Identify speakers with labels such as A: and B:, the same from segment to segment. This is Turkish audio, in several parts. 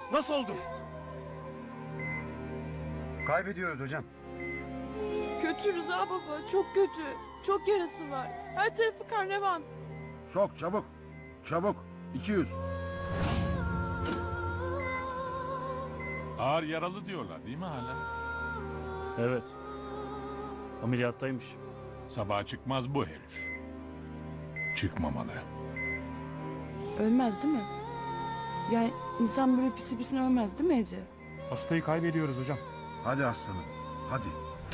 A: Nasıl oldu?
B: Kaybediyoruz hocam.
C: Kötü Rıza baba, çok kötü. Çok yarası var. Her tarafı karnevan.
B: Sok çabuk. Çabuk. 200.
D: Ağır yaralı diyorlar değil mi hala?
A: Evet. Ameliyattaymış.
D: Sabaha çıkmaz bu herif. Çıkmamalı.
C: Ölmez değil mi? Yani insan böyle pisi pisine ölmez değil mi Ece?
A: Hastayı kaybediyoruz hocam.
B: Hadi aslanım. Hadi.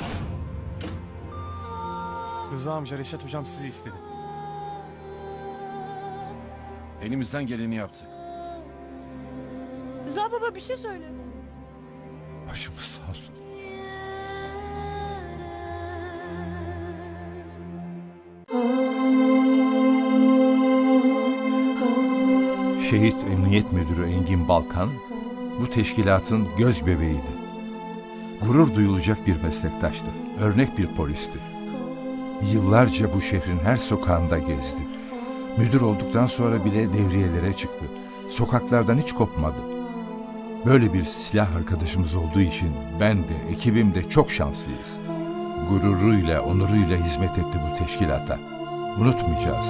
A: Rıza amca, Reşat hocam sizi istedi.
B: Elimizden geleni yaptık.
C: Rıza baba bir şey söyle.
D: Başımız sağ olsun.
E: Şehit Emniyet Müdürü Engin Balkan, bu teşkilatın göz bebeğiydi. Gurur duyulacak bir meslektaştı, örnek bir polisti. Yıllarca bu şehrin her sokağında gezdi. Müdür olduktan sonra bile devriyelere çıktı. Sokaklardan hiç kopmadı. Böyle bir silah arkadaşımız olduğu için ben de, ekibim de çok şanslıyız. Gururuyla, onuruyla hizmet etti bu teşkilata. Unutmayacağız.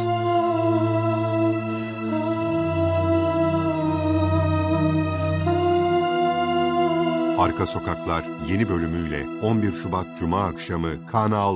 F: Arka Sokaklar yeni bölümüyle 11 Şubat Cuma akşamı Kanal